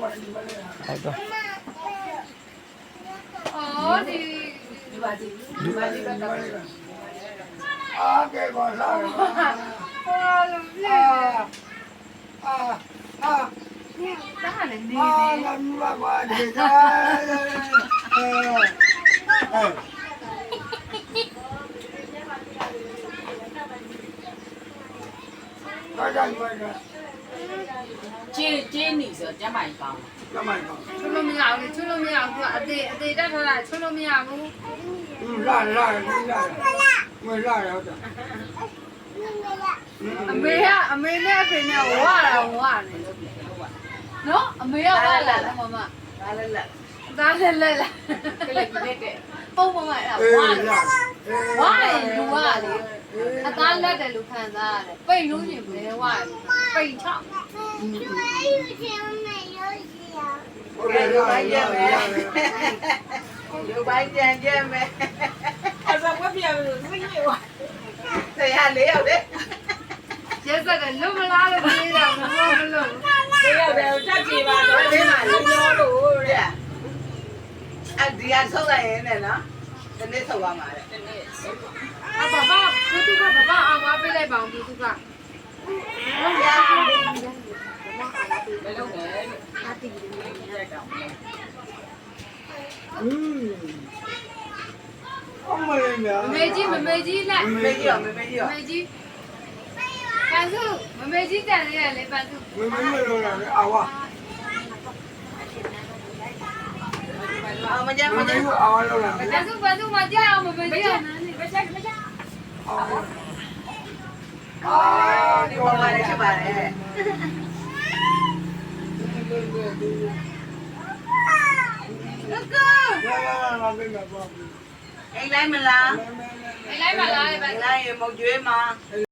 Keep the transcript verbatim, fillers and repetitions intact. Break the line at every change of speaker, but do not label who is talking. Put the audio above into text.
အဲ့တော့
အော်ဒီဒီပါဒီဒီပါဒီတော့
အာကဲကောလာ
ဟောလုံးလေ
အာအာ
တားလည်းနေ
အာ
နေ
လာမလာပါဒီကာအဲဘာကြိုင်ဘာကြိုင်
ကျင်းကျင်းနေဆိုကျမ်းမိုင်ကောင်း
ကမိုင်ကော
ချွလို့မရဘူးချွလို့မရဘူးအသေးအသေးတက်ထားတာချွလို့မရဘူး
လာလာလာမလာတော့တာ
အမေကအမေနဲ့အဖေနဲ့ဝါတာဝါနေလို့နော်အမေကဝါလာလားမမ
ဒါလည်းလက်
သားလည်းလက်လာ
ကလေးကလေးတဲ့
ပုံမမအဲ့ဒါ
အေး
ဝါ
လာ
ဝါရင်လူကလေအသားလက်တယ်လို့ခံစားရတယ်ပိတ်လို့ရင်ဘယ်ဝါပိတ်ချောက်
โอเคလာလာလာ
လူပိုင်းကြံကြဲမယ်အစမပြဘူးစိတ်ညစ်သွားဆရာလေးရောက်တယ်
ရဲစက်ကလွတ်မလားလို့ပြေးတာမဟုတ်ဘူးလို့
လေးရောက်တယ်တက်ကြည့်ပါတော့လေးမှာလုံးရောလို့တဲ့အဲ့ဒီအဆောက်လိုက်ရင်လည်းနော်ဒီနေ့ဆောက်ပါမှာတဲ့ဒီနေ့ဆောက်ပါ
အဘဘသူကဘဘအောင်မပေးလိုက်ပါအောင်သူက
ဘယ်လိုလဲအတီးလေးရိုက်တော့
อืมအမလေးများ
မမေကြီးမမေကြီးလက်
မမေကြီးရောမမေကြီး
မ
ရော
မေကြီးပန်းစုမမေကြီးတန်လေးရလေပန်းစု
မမမလို့လာအာဝါ
အော်မကြမ်း
မ
မ
မ
ကြမ်း
ကအာဝါလို့လာ
ပန်းစုပန်းစုမကြောက်အောင်မမေကြီးအောင်
မကြမ်းမကြမ်း
အာဒီ
ဒီ
ဝါ
ပေါ်
လာ
လာ
ချ
ချ
ပါ
ပါ
တ
တယ် ယ်
လာလာလာမင်းမပါဘူး
အိမ်လိုက်မလား
လိုက်ပါလားပန်းစု
လိုက်ရင်မုတ်ကျွေးမှာ